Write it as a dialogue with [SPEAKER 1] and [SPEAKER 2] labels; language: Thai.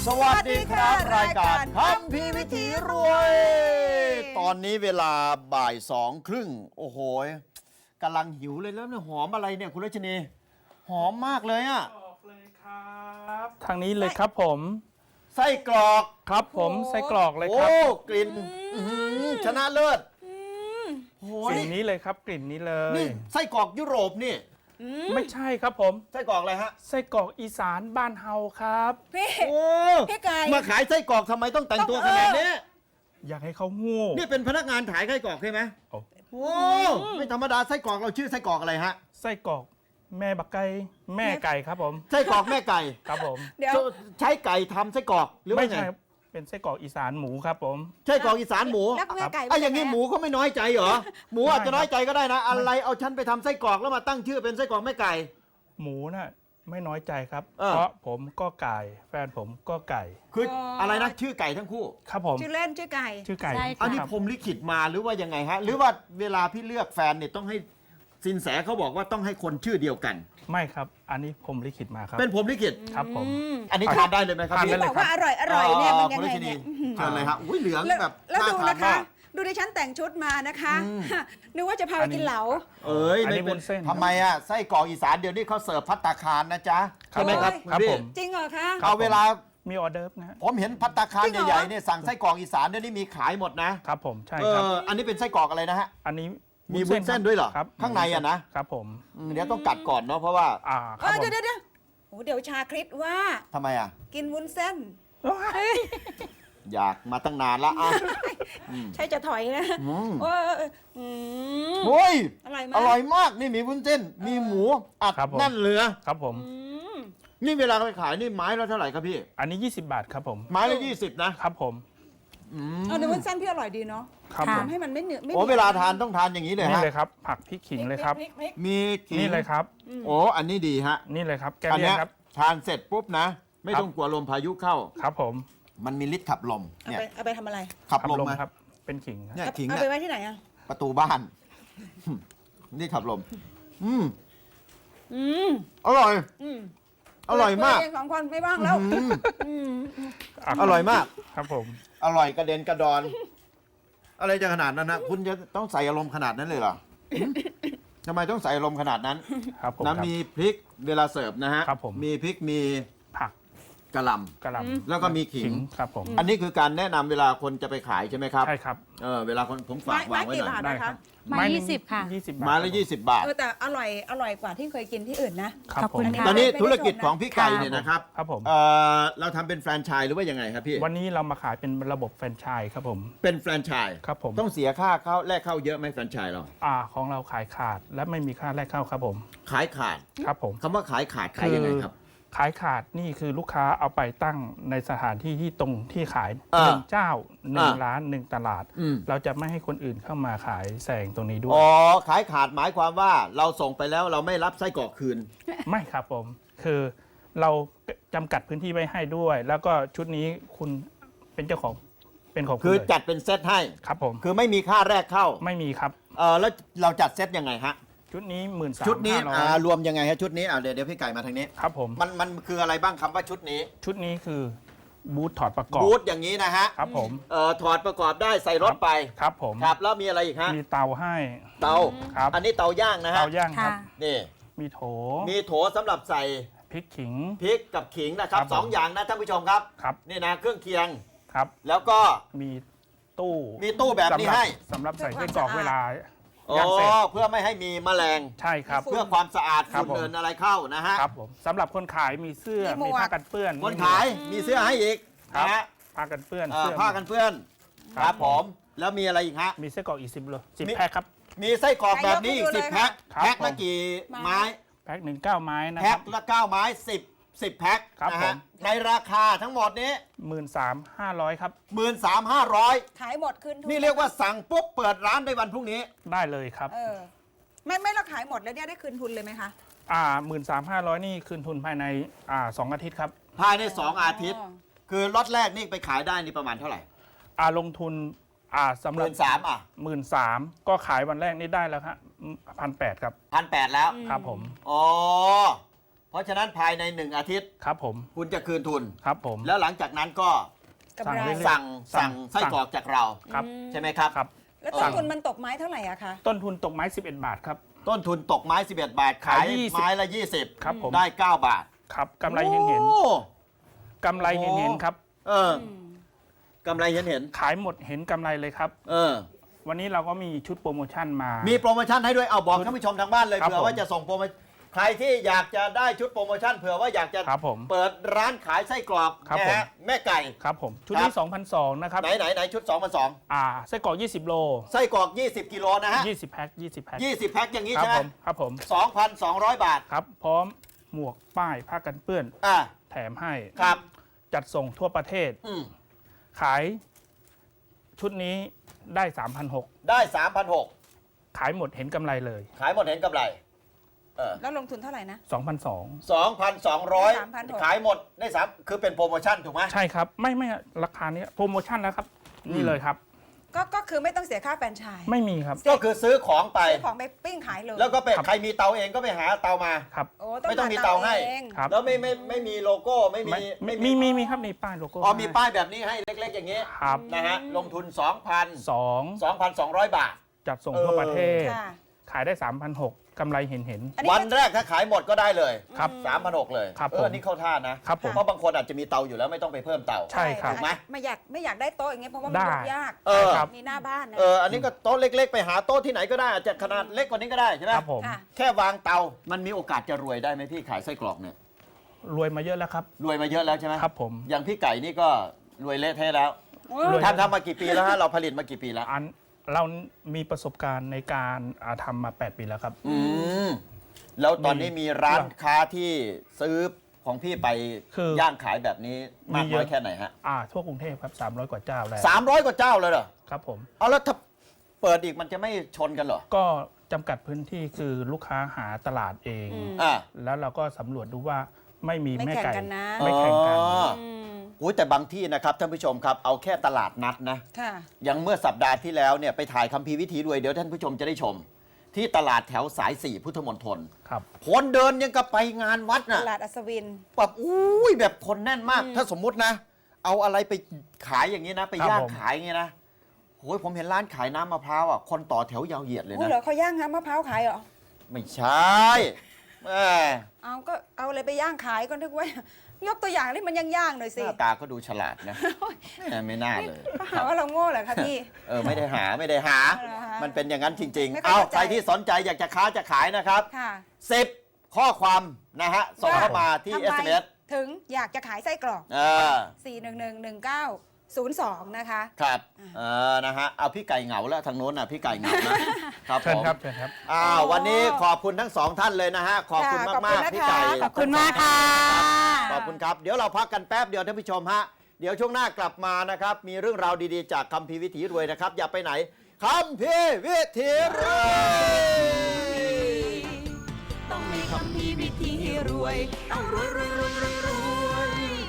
[SPEAKER 1] สวัสดีครับรายการคัมภีร์วิถีรวย ตอนนี้เวลาบ่าย2:30โอ้โหกำลังหิวเลยแล้วเนี่ยหอมอะไรเนี่ยคุณรัชนีหอมมากเลยอะ
[SPEAKER 2] บอกเลยครับทางนี้เลยครับผม
[SPEAKER 1] ไส้กรอก
[SPEAKER 2] ครับผมไส้กรอกเลยครับ
[SPEAKER 1] โอ้กลิ่นชนะเลิศโอ้
[SPEAKER 2] สิ่งนี้เลยครับกลิ่นนี้เลย
[SPEAKER 1] นี่ไส้กรอกยุโรปนี่
[SPEAKER 2] ไม่ใช่ครับผม
[SPEAKER 1] ไส้กรอกอะไรฮะ
[SPEAKER 2] ไส้กรอกอีสานบ้านเฮาครับ
[SPEAKER 3] พี่
[SPEAKER 1] โอ้
[SPEAKER 3] พี่ไก่
[SPEAKER 1] มาขายไส้กรอกทำไมต้องแต่งตัวขนาดนี้
[SPEAKER 2] อยากให้เขางู
[SPEAKER 1] นี่เป็นพนักงานขายไส้กรอกใช่ไหม
[SPEAKER 2] โอ้
[SPEAKER 1] โอ้ไม่ธรรมดาไส้กรอกเราชื่อไส้กรอกอะไรฮะ
[SPEAKER 2] ไส้กรอกแม่บักไก่แม่ไก่ครับผม
[SPEAKER 1] ไส้กรอกแม่ไก่
[SPEAKER 2] ครับผม
[SPEAKER 3] เดี๋ยว
[SPEAKER 1] ใช้ไก่ทำไส้กรอกหรือว่า
[SPEAKER 2] ไม่
[SPEAKER 1] ไง
[SPEAKER 2] ใช่ครับเป็นไส้กรอกอีสานหมูครับผม
[SPEAKER 1] ใช่กรอกอีสานหมู
[SPEAKER 3] แล้วแม่ไก่
[SPEAKER 1] ไอ้อย่างนี้หมูเขาไม่น้อยใจเหรอหมูอาจจะ
[SPEAKER 2] ไม่ครับ
[SPEAKER 1] น้อยใจก็ได้นะ อะไรเอาฉันไปทำไส้กรอกแล้วมาตั้งชื่อเป็นไส้กรอกแม่ไก่
[SPEAKER 2] หมูน่ะไม่น้อยใจครับ
[SPEAKER 1] เออ
[SPEAKER 2] เพราะผมก็ไก่แฟนผมก็ไก่
[SPEAKER 1] คืออะไรนะชื่อไก่ทั้งคู่
[SPEAKER 2] ครับผม
[SPEAKER 3] ชื่อเล่นชื่อไก่
[SPEAKER 2] ชื่อไก่
[SPEAKER 4] ใช่ค่ะ
[SPEAKER 1] อันนี้
[SPEAKER 2] ครับ
[SPEAKER 1] ผมลิขิตมาหรือว่ายังไงฮะหรือว่าเวลาพี่เลือกแฟนเนี่ยต้องให้สินแสเขาบอกว่าต้องให้คนชื่อเดียวกัน
[SPEAKER 2] ไม่ครับ อันนี้ผมลิขิตมาครับ
[SPEAKER 1] เป็นผมลิขิต
[SPEAKER 2] ครับผม
[SPEAKER 1] อันนี้ทานได้เลยไหมครับ
[SPEAKER 2] ทาน
[SPEAKER 1] พี่
[SPEAKER 2] ได้เล
[SPEAKER 3] บอกว่าอร่อยเนี่ยมันยัง
[SPEAKER 1] คุณ
[SPEAKER 3] ไง
[SPEAKER 1] รัชนี
[SPEAKER 3] เนี่ย
[SPEAKER 1] เชิญเลยฮะอุ้ยเหลือง
[SPEAKER 3] แล้ว
[SPEAKER 1] แบบ
[SPEAKER 3] แล้ว
[SPEAKER 1] น่า
[SPEAKER 3] ดู
[SPEAKER 1] ทาน
[SPEAKER 3] นะคะ
[SPEAKER 1] มาก
[SPEAKER 3] ดูดิฉันแต่งชุดมานะคะนึกว่าจะพาไปกินเหลา
[SPEAKER 1] เอ้ย
[SPEAKER 2] อันนี้
[SPEAKER 1] ไม่เป็
[SPEAKER 2] วุ้นเส้น
[SPEAKER 1] ทำไมอ่ะไส้กรอกอีสานเดี๋ยวนี้เขาเสิร์ฟภัตตาคารนะจ๊ะใช่ไหมครับ
[SPEAKER 2] ครับ
[SPEAKER 1] พี่
[SPEAKER 2] ผม
[SPEAKER 3] จริงเหรอคะ
[SPEAKER 1] เอาเวลา
[SPEAKER 2] มีออเดิร์ฟนะฮะ
[SPEAKER 1] ผมเห็นภัตตาคาร
[SPEAKER 3] จริงเหรอ
[SPEAKER 1] ใหญ่ๆเนี่ยสั่งไส้กรอกอีสานเดี๋ยวนี้มีขายหมดนะครับ
[SPEAKER 2] ผมใช่ครับ
[SPEAKER 1] อันนี้เป็นไส้กรอกอะไรนะฮะ
[SPEAKER 2] อันนี้
[SPEAKER 1] มีวุ้นเส้นด้วยเหรอ
[SPEAKER 2] ครับ
[SPEAKER 1] ข้างในอะนะครับ
[SPEAKER 2] ผม
[SPEAKER 1] เดี๋ยวต้องกัดก่อนเนาะเพราะว่า
[SPEAKER 2] ครับผม
[SPEAKER 3] เดี๋ยวโอ้เดี๋ยวชาคริสว่า
[SPEAKER 1] ทำไมอ่ะ
[SPEAKER 3] กินวุ้นเส้น
[SPEAKER 1] อยากมาตั้งนานละอ่ะ
[SPEAKER 3] ใช่จะถอยนะ
[SPEAKER 1] อืม
[SPEAKER 3] โอ้ยม
[SPEAKER 1] โอ้ย
[SPEAKER 3] อร่อยมาก
[SPEAKER 1] อร่อยมากนี่มีวุ้นเส้น มีหมูอัด
[SPEAKER 2] ครับผม
[SPEAKER 1] แน่นเหลือ
[SPEAKER 2] ครับผม
[SPEAKER 3] อืม
[SPEAKER 1] นี่เวลาไปขายนี่ไม้ละเท่าไหร่ครับพี่
[SPEAKER 2] อันนี้ 20 บาทครับผม
[SPEAKER 1] ไม้ละ20นะครับ
[SPEAKER 2] ผม
[SPEAKER 3] เอาเดี๋ยววุ้นเส้นพี่อร่อยดีเนาะ
[SPEAKER 2] ครับผม
[SPEAKER 3] ทำให้มันไม่เหนือไม่
[SPEAKER 1] โอ้เวลาทานต้องทานอย่างนี้เลย
[SPEAKER 2] นี่
[SPEAKER 1] ฮะ
[SPEAKER 2] เลยครับ ผักพริกขิงเลยครับ
[SPEAKER 3] พริก
[SPEAKER 1] มีขิง
[SPEAKER 2] นี่เลยครับ
[SPEAKER 1] โอ้อันนี้ดีฮะ
[SPEAKER 2] นี่เลยครับแก
[SPEAKER 1] อัน
[SPEAKER 2] เลีย
[SPEAKER 1] เนี้
[SPEAKER 2] น
[SPEAKER 1] ย
[SPEAKER 2] ครับ
[SPEAKER 1] ทานเสร็จปุ๊บนะ ไม่ต้องกลัวลมพายุเข้า
[SPEAKER 2] ครับผม
[SPEAKER 1] มันมีฤทธิ์ขับลม
[SPEAKER 3] เอา
[SPEAKER 1] เนี่ย
[SPEAKER 3] ไปเอาไปทำอะไร
[SPEAKER 1] ขับ
[SPEAKER 2] ขับ
[SPEAKER 1] ลม
[SPEAKER 2] ลม
[SPEAKER 1] มา
[SPEAKER 2] ครับ เป็นขิงครับ
[SPEAKER 1] เนี่ยขิง
[SPEAKER 3] เอา
[SPEAKER 1] เนี่
[SPEAKER 3] ไป
[SPEAKER 1] ย
[SPEAKER 3] ไว้ที่ไหนอ่ะ
[SPEAKER 1] ประตูบ้าน นี่ขับลม อืม
[SPEAKER 3] อืม
[SPEAKER 1] อร่อย
[SPEAKER 3] อืม
[SPEAKER 1] อร่อยมาก
[SPEAKER 3] คุเงสองคนไม่ว่างแล้ว
[SPEAKER 1] อืม
[SPEAKER 3] อืม
[SPEAKER 1] อร่อยมาก
[SPEAKER 2] ครับผม
[SPEAKER 1] อร่อยกระเด็นกระดอน อะไรจะขนาดนั้นนะคุณจะต้องใส่อารมณ์ขนาดนั้นเลยเหรอทำไมต้องใส่อารมณ์ขนาดนั้น
[SPEAKER 2] ครับผม
[SPEAKER 1] นะมีพริกเวลาเสิร์ฟนะฮะ
[SPEAKER 2] ครับผม
[SPEAKER 1] มีพริกมี
[SPEAKER 2] ผัก
[SPEAKER 1] กระหล
[SPEAKER 2] กระหล่
[SPEAKER 1] ำแล้วก็มีขิง
[SPEAKER 2] ครับผม
[SPEAKER 1] อันนี้คือการแนะนำเวลาคนจะไปขายใช่ไหมครับ
[SPEAKER 2] ใช่ครับ
[SPEAKER 1] เวลาคนผมฝากวางไว้หน่อย
[SPEAKER 3] ไม้กี่บาท
[SPEAKER 2] ได้ครับ
[SPEAKER 4] ไม้
[SPEAKER 2] หนึ่ง
[SPEAKER 4] 20ค่ะ
[SPEAKER 2] 20 บาท
[SPEAKER 1] ไม้ละ20 บาท
[SPEAKER 3] แต่อร่อยกว่าที่เคยกินที่อื่นนะ
[SPEAKER 2] ครับ
[SPEAKER 4] ขอบ
[SPEAKER 2] ผ
[SPEAKER 4] คุ
[SPEAKER 2] ม
[SPEAKER 4] ณค่ะ
[SPEAKER 1] ตอนนี้
[SPEAKER 3] ไม่ได้
[SPEAKER 1] ธุรกิจ
[SPEAKER 3] ชมนะ
[SPEAKER 1] ของพี่ไก่
[SPEAKER 4] ค่ะ
[SPEAKER 1] เนี่ยนะครับ
[SPEAKER 2] ครับผม
[SPEAKER 1] เราทำเป็นแฟรนไชส์หรือว่ายังไงครับพี่
[SPEAKER 2] วันนี้เรามาขายเป็นระบบแฟรนไชส์ครับผม
[SPEAKER 1] เป็นแฟรนไชส์
[SPEAKER 2] ครับผม
[SPEAKER 1] ต้องเสียค่าเข้าแลกเข้าเยอะไหมแฟรนไชส์เรา
[SPEAKER 2] ของเราขายขาดและไม่มีค่าแรกเข้าครับผม
[SPEAKER 1] ขายขาด
[SPEAKER 2] ครับผม
[SPEAKER 1] คำว่าขายขาดขายยังไงครับ
[SPEAKER 2] ขายขาดนี่คือลูกค้าเอาไปตั้งในสถานที่ที่ตรงที่ขาย
[SPEAKER 1] อ่า
[SPEAKER 2] หนึ่งเจ้าหนึ่ง
[SPEAKER 1] อ่า
[SPEAKER 2] ร้านหนึ่งตลาด
[SPEAKER 1] อืม
[SPEAKER 2] เราจะไม่ให้คนอื่นเข้ามาขายแซงตรงนี้ด้วย
[SPEAKER 1] อ๋อขายขาดหมายความว่าเราส่งไปแล้วเราไม่รับไส้กรอกคืน
[SPEAKER 2] ไม่ครับผม คือเราจำกัดพื้นที่ไว้ให้ด้วย แล้วก็ชุดนี้คุณเป็นเจ้าของเป็นของณ
[SPEAKER 1] คือ
[SPEAKER 2] เลย
[SPEAKER 1] จัดเป็นเซตให้
[SPEAKER 2] ครับผม
[SPEAKER 1] คือไม่มีค่าแรกเข้า
[SPEAKER 2] ไม่มีครับ
[SPEAKER 1] แล้วเราจัดเซตยังไงฮะ
[SPEAKER 2] ชุดนี้13,500
[SPEAKER 1] ชุดนี้รวมยังไงฮะชุดนี้เดี๋ยวพี่ไก่มาทางนี้
[SPEAKER 2] ครับผม
[SPEAKER 1] มันคืออะไรบ้างคำว่าชุดนี้
[SPEAKER 2] ชุดนี้คือบูธถอดประกอบ
[SPEAKER 1] บูธอย่างนี้นะฮะ
[SPEAKER 2] ครับผม
[SPEAKER 1] ถอดประกอบได้ใส่รถไป
[SPEAKER 2] ครับผม
[SPEAKER 1] ครับแล้วมีอะไรอีกฮะ
[SPEAKER 2] มีเตาให้
[SPEAKER 1] เตา
[SPEAKER 2] ครับ
[SPEAKER 1] อันนี้เตาย่างนะฮะ
[SPEAKER 2] เตาย่างครับ
[SPEAKER 4] ค่ะ
[SPEAKER 1] นี่
[SPEAKER 2] มีโถ
[SPEAKER 1] มีโถสำหรับใส่
[SPEAKER 2] พริกขิง
[SPEAKER 1] พริกกับขิงนะครับ
[SPEAKER 2] ครับผม
[SPEAKER 1] สองอย่างนะท่านผู้ชมครับ
[SPEAKER 2] ครับ
[SPEAKER 1] นี่นะเครื่องเคียง
[SPEAKER 2] ครับ
[SPEAKER 1] แล้วก็
[SPEAKER 2] มีตู้
[SPEAKER 1] มีตู้แบบนี้ให้
[SPEAKER 2] สำหรับใส่
[SPEAKER 3] เพื่
[SPEAKER 2] ไส้
[SPEAKER 3] อความ
[SPEAKER 2] กรอก
[SPEAKER 3] สะอาด
[SPEAKER 2] เวลา
[SPEAKER 1] โอ้
[SPEAKER 2] ย่างเสร็จ
[SPEAKER 1] เพื่อไม่ให้มีแมลง
[SPEAKER 2] ใช่ครับ
[SPEAKER 1] เพื่อความสะอาด
[SPEAKER 2] ครับ
[SPEAKER 1] ฝุ่น
[SPEAKER 2] ผม
[SPEAKER 1] เดินอะไรเข้านะฮะ
[SPEAKER 2] ครับผมสำหรับคนขายมีเสื้อ
[SPEAKER 3] มีหมวก
[SPEAKER 2] มีผ้ากันเปื้อน
[SPEAKER 1] คนขายมีเสื้อให้อีก
[SPEAKER 2] ครับ
[SPEAKER 1] นะฮะ
[SPEAKER 2] ผ้ากันเปื้อน
[SPEAKER 1] ผ้ากันเปื้อน
[SPEAKER 2] ค
[SPEAKER 1] ค
[SPEAKER 2] รั
[SPEAKER 1] รั
[SPEAKER 2] บบ
[SPEAKER 1] ผมแล้วมีอะไรอีกฮะ
[SPEAKER 2] มีไส้กรอกอีก10 โล
[SPEAKER 1] มี
[SPEAKER 2] 10 แพ็คครับ
[SPEAKER 1] มีไส้กรอกแบบนี้อีก
[SPEAKER 3] ให้ยก
[SPEAKER 1] 10
[SPEAKER 3] ให้ดูเลย
[SPEAKER 1] แพ็ค
[SPEAKER 2] ครับ
[SPEAKER 1] แพ็คละ
[SPEAKER 2] ผม
[SPEAKER 1] กี่ไม้
[SPEAKER 2] แพ็ค1 9 ไม้นะ
[SPEAKER 1] แพ็
[SPEAKER 2] ค
[SPEAKER 1] ครับ ละ9ไม้10แพ็ค
[SPEAKER 2] ครับ
[SPEAKER 1] นะ
[SPEAKER 2] ผ
[SPEAKER 1] ฮะ
[SPEAKER 2] ม
[SPEAKER 1] ในราคาทั้งหมดนี้
[SPEAKER 2] 13,500 ครับ
[SPEAKER 1] 13,500
[SPEAKER 3] ขายหมดคืนทุ
[SPEAKER 1] นี่เรียกว่าสั่งปุ๊บเปิดร้านในวันพรุ่งนี้
[SPEAKER 2] ได้เลยครับ
[SPEAKER 3] ไม่เราขายหมดแล้วเนี่ยได้คืนทุนเลยไหมคะ
[SPEAKER 2] 13,500 นี่คืนทุนภายใน2 อาทิตย์ครับ
[SPEAKER 1] ภายใน 2 อาทิตย์ คือล็อตแรกนี่ไปขายได้นี่ประมาณเท่าไหร่
[SPEAKER 2] ลงทุนสำหรับ
[SPEAKER 1] 13,000อ่ะ
[SPEAKER 2] 13,000ก็ขายวันแรกนี่ได้แล้วครับ1,800 ครับ
[SPEAKER 1] 1,800แล้ว
[SPEAKER 2] ครับผม
[SPEAKER 1] อ๋อเพราะฉะนั้นภายใน1 อาทิตย์
[SPEAKER 2] ครับผม
[SPEAKER 1] คุณจะคืนทุน
[SPEAKER 2] ครับผม
[SPEAKER 1] แล้วหลังจากนั้นก็
[SPEAKER 3] กำไร
[SPEAKER 2] สั่ง
[SPEAKER 1] สั่งไส้กรอกจากเรา
[SPEAKER 2] ครับ
[SPEAKER 1] ใช่ไหมครับ
[SPEAKER 2] ครับ
[SPEAKER 3] แล้วต้นทุนมันตกไม้เท่าไหร่อะคะ
[SPEAKER 2] ต้นทุนตกไม้ 11 บาทครับ
[SPEAKER 1] ต้นทุนตกไม้ 11 บาท ขาย
[SPEAKER 2] ขาย20
[SPEAKER 1] ไม้ละ 20
[SPEAKER 2] ครับผม
[SPEAKER 1] ได้ 9 บาท
[SPEAKER 2] ครับกำไรเห็น
[SPEAKER 1] โอ้
[SPEAKER 2] ๆกำไรเห็นๆครับ
[SPEAKER 1] เออ กำไรเห็น
[SPEAKER 2] ขายหมดเห็นกำไรเลยครับ
[SPEAKER 1] เออ
[SPEAKER 2] วันนี้เราก็มีชุดโปรโมชั่นมา
[SPEAKER 1] มีโปรโมชั่นให้ด้วย เอาบอกท่านผู้ชมทางบ้านเลย
[SPEAKER 2] ครับ
[SPEAKER 1] เผื่อว่า
[SPEAKER 2] ผม
[SPEAKER 1] จะส่งโปรโมชั่นใครที่อยากจะได้ชุดโปรโมชั่นเผื่อว่าอยากจะ
[SPEAKER 2] ครับผม
[SPEAKER 1] เปิดร้านขายไส้กรอก
[SPEAKER 2] ครับ
[SPEAKER 1] นะ
[SPEAKER 2] ผม
[SPEAKER 1] ฮะแม่ไก่
[SPEAKER 2] ครับผมชุด
[SPEAKER 1] ครั
[SPEAKER 2] นี้
[SPEAKER 1] บ
[SPEAKER 2] 2,200นะครับ
[SPEAKER 1] ไหนชุด 2,200
[SPEAKER 2] ไส้กรอก20 โล
[SPEAKER 1] ไส้กรอก 20 กิโลนะฮะ
[SPEAKER 2] 20 แพ็ค20 แพ็ค
[SPEAKER 1] 20 แพ็คอย่างนี้
[SPEAKER 2] ครับ
[SPEAKER 1] ใช่ไหม
[SPEAKER 2] ผมครับผม
[SPEAKER 1] 2,200 บาท
[SPEAKER 2] ครับ พร้อมหมวกป้ายผ้ากันเปื้อน
[SPEAKER 1] อ่ะ
[SPEAKER 2] แถมให้
[SPEAKER 1] ครับ
[SPEAKER 2] จัดส่งทั่วประเทศ
[SPEAKER 1] อืม
[SPEAKER 2] ขายชุดนี้ได้ 3,600
[SPEAKER 1] ได้ 3,600
[SPEAKER 2] ขายหมดเห็นกำไรเลย
[SPEAKER 1] ขายหมดเห็นกำไรเออ
[SPEAKER 3] แล้วลงทุนเท่าไหร่นะ
[SPEAKER 2] 2,200
[SPEAKER 1] 2,200
[SPEAKER 3] 3,600
[SPEAKER 1] ขายหมดได้3คือเป็นโปรโมชั่นถูกไหม
[SPEAKER 2] ใช่ครับ ไม่ราคานี้โปรโมชั่นแล้วครับ นี่เลยครับ
[SPEAKER 3] ก็คือไม่ต้องเสียค่าแฟรนไชส์
[SPEAKER 2] ไม่มีครับ
[SPEAKER 1] ก็คือซื้อของไป
[SPEAKER 3] ซื้อของไปปิ้งขายเลย
[SPEAKER 1] แล้วก็ไป
[SPEAKER 2] ครับ
[SPEAKER 1] ใครมีเตาเองก็ไปหาเตามา
[SPEAKER 2] ครับ
[SPEAKER 3] โอ้
[SPEAKER 1] ไม่ต้องมีเตาให้
[SPEAKER 3] เอง
[SPEAKER 2] ครับ
[SPEAKER 1] แล้วไม่มีโลโก้ไม่มี
[SPEAKER 2] มีครับมีป้ายโลโก้
[SPEAKER 1] อ๋อมีป้ายแบบนี้ให้เล็กๆอย่างนี้
[SPEAKER 2] ครับ
[SPEAKER 1] นะฮะลงทุน 2,200 บาท
[SPEAKER 2] จัดส่งทั่วประเทศ
[SPEAKER 3] ค่ะ
[SPEAKER 2] ขายได้ 3,600กำไรเห็น
[SPEAKER 3] อันนี้
[SPEAKER 1] วันแรกถ้าขายหมดก็ได้เลย
[SPEAKER 2] ครับ
[SPEAKER 1] 3,600 เลย
[SPEAKER 2] ครับ
[SPEAKER 1] เออนี่เข้าท่านะครับ
[SPEAKER 2] ผม
[SPEAKER 1] เพราะบางคนอาจจะมีเตาอยู่แล้วไม่ต้องไปเพิ่มเตา
[SPEAKER 2] ใช่ครับ
[SPEAKER 1] ถูกไหม
[SPEAKER 3] ไม่อยากได้โต๊ะอย่างเงี้ยเพราะว่ามัน
[SPEAKER 2] ได้
[SPEAKER 3] ยกยาก
[SPEAKER 1] เออ
[SPEAKER 2] ครับ
[SPEAKER 3] มีหน้าบ้านนะ
[SPEAKER 1] อันนี้ก็โต๊ะเล็กๆ ไปหาโต๊ะที่ไหนก็ได้อาจจะขนาดเล็กกว่านี้ก็ได้ใช่ไหม
[SPEAKER 2] ครับผม
[SPEAKER 3] ค่ะ
[SPEAKER 1] แค่วางเตา มันมีโอกาสจะรวยได้ไหมพี่ขายไส้กรอกเนี่ย
[SPEAKER 2] รวยมาเยอะแล้วครับ
[SPEAKER 1] รวยมาเยอะแล้วใช่ไหม
[SPEAKER 2] ครับผม
[SPEAKER 1] อย่างพี่ไก่นี่ก็รวยเละเทะแล้ว
[SPEAKER 2] รวย
[SPEAKER 1] ทำมากี่ปีแล้วฮะเราผลิตมากี่ปีแล้ว
[SPEAKER 2] เรามีประสบการณ์ในการทำมา 8 ปีแล้วครับ
[SPEAKER 1] อืมแล้วตอนนี้มีร้านค้าที่ซื้อของพี่ไป
[SPEAKER 2] คือย่าง
[SPEAKER 1] ขายแบบนี้มาก
[SPEAKER 2] มีเย
[SPEAKER 1] น้อย
[SPEAKER 2] อะ
[SPEAKER 1] แค่ไหนฮะ
[SPEAKER 2] ทั่วกรุงเทพครับ300 กว่าเจ้าแล้ว
[SPEAKER 1] 300 กว่าเจ้าเลยเหรอ
[SPEAKER 2] ครับผม
[SPEAKER 1] เอาแล้วถ้าเปิดอีกมันจะไม่ชนกันเหรอ
[SPEAKER 2] ก็จำกัดพื้นที่คือลูกค้าหาตลาดเอง
[SPEAKER 1] อ่า
[SPEAKER 2] แล้วเราก็สำรวจดูว่าไม่มี
[SPEAKER 3] ไม่
[SPEAKER 2] แม่
[SPEAKER 3] แข่ง
[SPEAKER 2] ไก่
[SPEAKER 3] กันนะ
[SPEAKER 2] ไม่แข่งกัน
[SPEAKER 1] อ๋อ
[SPEAKER 3] อืม
[SPEAKER 1] อุ้ยแต่บางที่นะครับท่านผู้ชมครับเอาแค่ตลาดนัดนะ
[SPEAKER 3] ค่ะ
[SPEAKER 1] อย่างเมื่อสัปดาห์ที่แล้วเนี่ยไปถ่ายคัมภีร์วิถีรวยเดี๋ยวท่านผู้ชมจะได้ชม ที่ตลาดแถวสาย 4 พุทธมณฑล
[SPEAKER 2] ครับ
[SPEAKER 1] คนเดินยังกับไปงานวัด
[SPEAKER 3] ต
[SPEAKER 1] น่ะ
[SPEAKER 3] ลาดอัศวิน
[SPEAKER 1] แบบอุ้ยแบบคนแน่นมาก ถ้าสมมุตินะ เอาอะไรไปขายอย่างนี้นะ ไป
[SPEAKER 2] ครับ
[SPEAKER 1] ย่าง
[SPEAKER 2] ผม
[SPEAKER 1] ขายอย่างนี้นะโอ้ยผมเห็นร้านขายน้ำมะพร้าวอ่ะคนต่อแถวยาวเหยียดเลย
[SPEAKER 3] อู้
[SPEAKER 1] นะ
[SPEAKER 3] เหรอเขาย่างน้ำมะพร้าวขายเหรอ
[SPEAKER 1] ไม่ใช่แม่
[SPEAKER 3] เอาก็เอาอะไรไปย่างขายก็นึกว่า ยกตัวอย่างที่มันย่างๆหน่อย
[SPEAKER 1] ห
[SPEAKER 3] สิ
[SPEAKER 1] น้าตาก็ดูฉลาดนะแม่ไม่น่าเลย
[SPEAKER 3] เขาหาว่าเราโง่เหรอคะพี่
[SPEAKER 1] ไม่ได้หา
[SPEAKER 3] เหรอฮะ
[SPEAKER 1] มันเป็นอย่างนั้นจริง
[SPEAKER 3] ไม่
[SPEAKER 1] ๆ
[SPEAKER 3] ค่อย
[SPEAKER 1] เอา
[SPEAKER 3] เข้าใจ
[SPEAKER 1] ใครที่สนใจอยากจะค้าจะขายนะครับ
[SPEAKER 3] ค่ะ
[SPEAKER 1] 10 ข้อความนะฮะส่งเข้ามาที่
[SPEAKER 3] ทำไม
[SPEAKER 1] SMS
[SPEAKER 3] ถึงอยากจะขายไส้กรอก
[SPEAKER 1] อ่า
[SPEAKER 3] 4111902 นะคะ
[SPEAKER 1] ครับนะฮะเอาพี่ไก่เหงาแล้วทางโน้นน่ะพี่ไก่เหงานะครับ
[SPEAKER 2] เชิ
[SPEAKER 1] ผ
[SPEAKER 2] ญ
[SPEAKER 1] ม
[SPEAKER 2] ครับเชิญครับ
[SPEAKER 1] วันนี้ขอบคุณทั้งสองท่านเลยนะฮะขอบคุณ
[SPEAKER 3] ค่ะ
[SPEAKER 1] มาก
[SPEAKER 3] ขอบคุณนะคะ
[SPEAKER 1] ๆพี่ไก่
[SPEAKER 3] ขอบคุณมากค่ะ
[SPEAKER 1] ขอบคุณครับเดี๋ยวเราพักกันแป๊บเดียวท่านผู้ชมฮะเดี๋ยวช่วงหน้ากลับมานะครับมีเรื่องราวดีๆจากคัมภีร์วิถีรวยนะครับอย่าไปไหนคัมภีร์วิถีรวย
[SPEAKER 4] ต้องมีคำพีวิธีรวย ต้องรวยรวยรวยรวยรวย